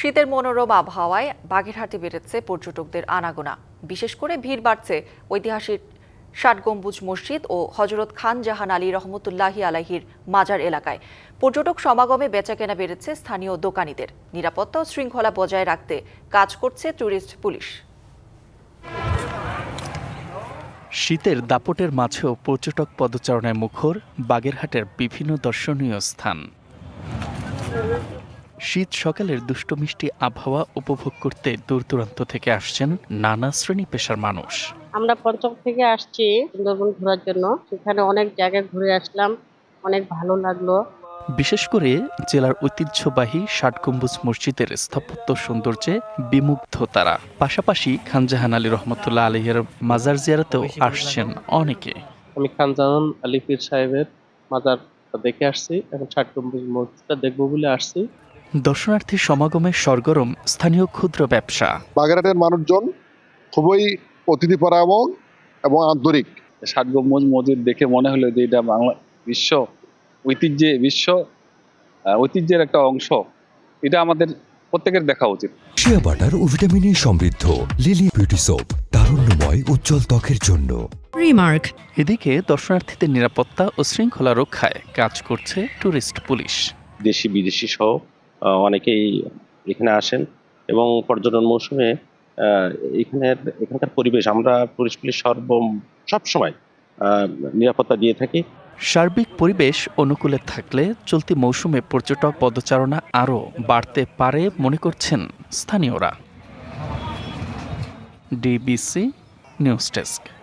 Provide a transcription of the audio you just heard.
শীতের মনোরম আবহাওয়ায় বাগেরহাটে বেড়েছে পর্যটকদের আনাগোনা। বিশেষ করে ভিড় বাড়ছে ঐতিহাসিক ৬০ গম্বুজ মসজিদ ও হযরত খান জাহান আলী রহমতুল্লাহি আলাইহির মাজার এলাকায়। পর্যটক সমাগমে বেচাকেনা বেড়েছে স্থানীয় দোকানীদের। নিরাপত্তা ও শৃঙ্খলা বজায় রাখতে কাজ করছে ট্যুরিস্ট পুলিশ। শীতের দাপটের মাঝেও পর্যটক পদচারণায় মুখর বাগেরহাটের বিভিন্ন দর্শনীয় স্থান। শীত সকালের দুষ্টমিষ্টি আবহাওয়া উপভোগ করতে দূর দূরান্ত থেকে আসছেন নানা শ্রেণী পেশার মানুষ। আমরা পঞ্চগড় থেকে আসছি সুন্দরবন ঘোরার জন্য। সেখানে অনেক জায়গায় ঘুরে আসলাম, অনেক ভালো লাগলো। বিশেষ করে জেলার ঐতিহ্যবাহী ৬০ গম্বুজ মসজিদের স্থাপত্য সৌন্দর্যে বিমুগ্ধ তারা। পাশাপাশি খানজাহান আলী রহমতুল্লাহ আলাইহির মাজার জিয়ারতেও আসছেন অনেকে। আমি খানজাহান আলী পীর সাহেবের মাজার দেখে আসছি, এখন ৬০ গম্বুজ মসজিদটা দেখবো বলে আসছি। দর্শনার্থী সমাগমে সরগরম স্থানীয় ক্ষুদ্র ব্যবসা। বাগেরহাটের মানুষজন খুবই অতিথিপরায়ণ এবং আন্তরিক। ৬০ গম্বুজ মসজিদ দেখে মনে হলো যে এটা বাংলা বিশ্ব ঐতিহ্যের একটা অংশ। এটা আমাদের প্রত্যেকের দেখা উচিত। শিয়া বাটার ও ভিটামিন ই সমৃদ্ধ লিলি বিউটি সোপ, তারুণ্যময় উজ্জ্বল ত্বকের জন্য। রিমার্ক। এদিকে দর্শনার্থীদের নিরাপত্তা ও শৃঙ্খলা রক্ষায় কাজ করছে ট্যুরিস্ট পুলিশ। দেশি বিদেশি সহ অনেকেই এখানে আসেন এবং পর্যটন মৌসুমে এখানকার পরিবেশ আমরা টুরিস্ট পুলিশ সবসময় নিরাপত্তা দিয়ে থাকি। সার্বিক পরিবেশ অনুকূলে থাকলে চলতি মৌসুমে পর্যটক পদচারণা আরও বাড়তে পারে মনে করছেন স্থানীয়রা। DBC news desk.